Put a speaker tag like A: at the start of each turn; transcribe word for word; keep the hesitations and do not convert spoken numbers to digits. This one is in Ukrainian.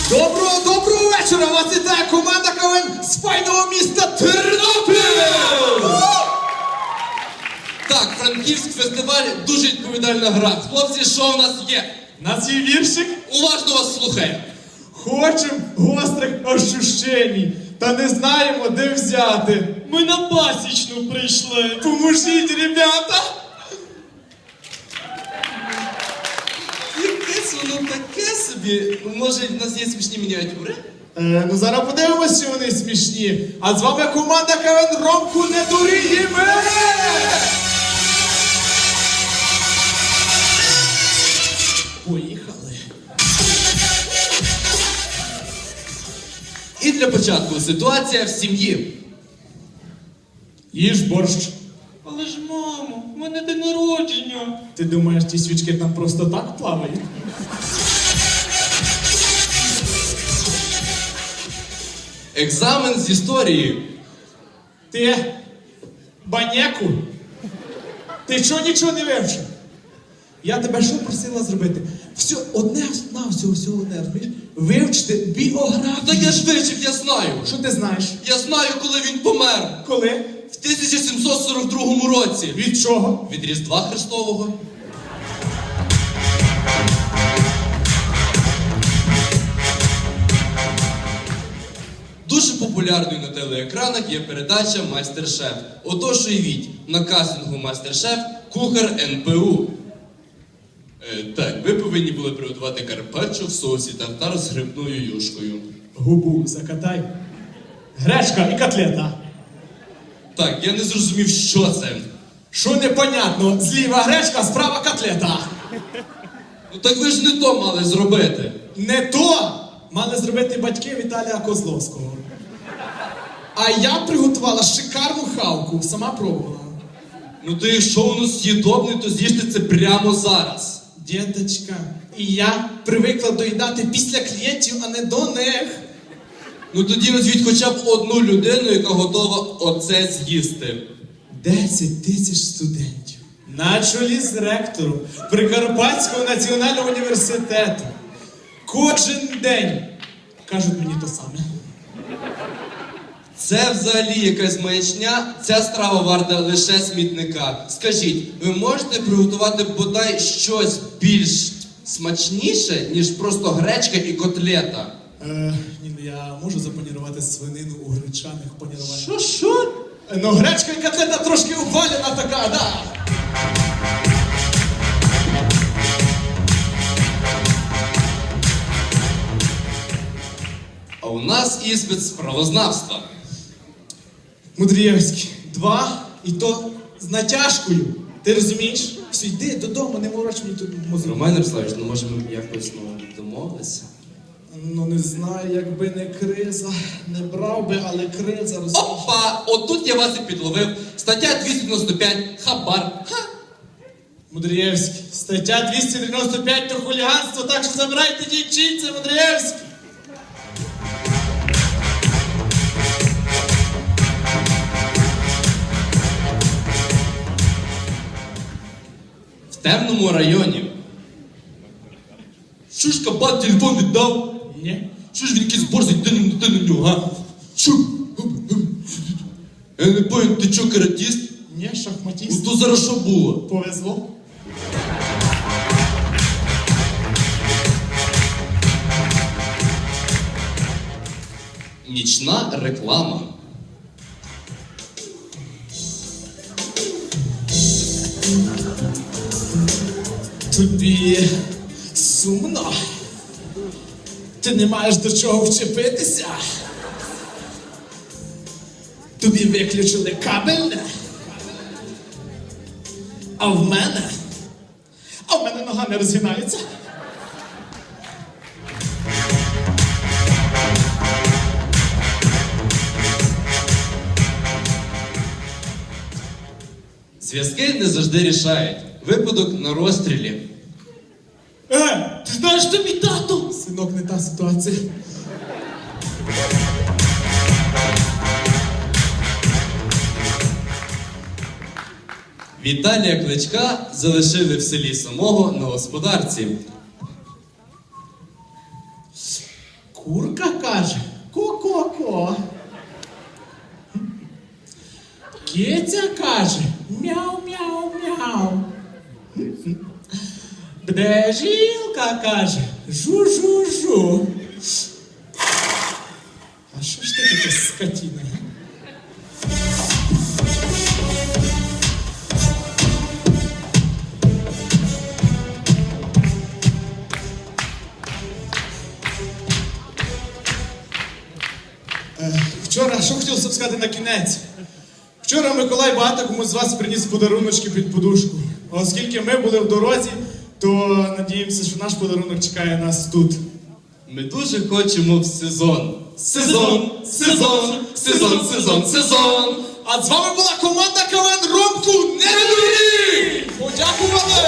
A: Доброго, доброго вечора! Вас вітає команда КВН з файного міста Тернопіль!
B: Так, Франківськ фестиваль дуже відповідальна гра. Хлопці, що в нас є?
A: У нас є віршик.
B: Уважно вас слухаю.
A: Хочем гострих ощущень, та не знаємо, де взяти.
C: Ми на пасічну прийшли.
A: Поможіть, ребята!
B: Якесь воно таке собі. Може, в нас є смішні мініатюри?
A: Е, ну зараз подивимось, що вони смішні. А з вами команда КВН Ромку не дуріємо! Поїхали.
B: І для початку ситуація в сім'ї.
A: Їж борщ.
C: Але ж, мамо, в мене день народження.
A: Ти думаєш, ті свічки там просто так плавають?
B: Екзамен з історії.
A: Ти баняку? Ти чого нічого не вивчив? Я тебе що просила зробити? Все, одне, на всього, всього одне, розумієш? Вивчити біографію.
B: Так я ж вивчив, я знаю.
A: Що ти знаєш?
B: Я знаю, коли він помер.
A: Коли?
B: В тисяча сімсот сорок другому році.
A: Від чого?
B: Від Різдва Христового. Дуже популярною на телеекранах є передача «Майстер-шеф». Отож уявіть, на кастингу «Майстер-шеф» кухар ен пе у. Е, так, ви повинні були приготувати карпаччо в соусі тартар з грибною юшкою.
A: Губу закатай. Гречка і котлета.
B: Так, я не зрозумів, що це.
A: Що непонятно? Зліва гречка, справа котлета.
B: Ну так ви ж не то мали зробити.
A: Не то мали зробити батьки Віталія Козловського. А я приготувала шикарну хавку, сама пробувала.
B: Ну то якщо воно з'їдобне, то з'їжте це прямо зараз.
A: Діточка, і я привикла доїдати після клієнтів, а не до них.
B: Ну тоді назвіть хоча б одну людину, яка готова оце з'їсти.
A: Десять тисяч студентів. На чолі з ректором Прикарпатського національного університету. Кожен день кажуть мені то саме.
B: Це взагалі якась маячня, ця страва варта лише смітника. Скажіть, ви можете приготувати бодай щось більш смачніше, ніж просто гречка і котлета?
A: Е, ні, ну я можу запанірувати свинину у гречаних паніруваннях.
B: Що, що?
A: Е, ну гречка і котлета трошки упалена така, да.
B: А у нас іспит з правознавства.
A: Мудрієвський, два, і то з натяжкою. Ти розумієш? Все, йди додому, не мороч мені тут мозок.
B: Роман Ярославович, ну може ми якось ну, домовилися?
A: Ну не знаю, якби не криза. Не брав би, але криза, розумієш?
B: Опа! Отут я вас і підловив. Стаття двісті дев'яносто п'ять. Хабар. Ха!
A: Мудрієвський, стаття двісті дев'яносто п'ять то хуліганство, так що забирайте дівчинця, Мудрієвський.
B: В темному районі. Що ж кабан телефон віддав?
A: Ні.
B: Що ж він якийсь борзий, ти, ти на нього, а? Що? Я не пам'ятаю, ти чо, каратіст?
A: Ні,
B: Ну
A: шахматіст.
B: то зараз що було?
A: Повезло.
B: Нічна реклама.
A: Тобі сумно? Ти не маєш до чого вчепитися? Тобі виключили кабельне? А в мене? А в мене нога не розгинається.
B: Зв'язки не завжди рішають. Випадок на розстрілі.
A: Е,
C: Ти знаєш, тобі тато?
A: синок, не та ситуація.
B: Віталія Кличка залишили в селі самого на господарці.
A: Курка каже ко-ко-ко. Киця каже мяу-мяу-мяу. Бджілка каже жу-жу-жу. А що ж ти таке скотіна? га? Е, Вчора, що хотілося б сказати на кінець? Вчора Миколай багато комусь з вас приніс подаруночки під подушку. А оскільки ми були в дорозі, то надіємося, що наш подарунок чекає нас тут.
B: Ми дуже хочемо в сезон. Сезон, сезон, сезон, сезон, сезон.
A: А з вами була команда КВН Ромку не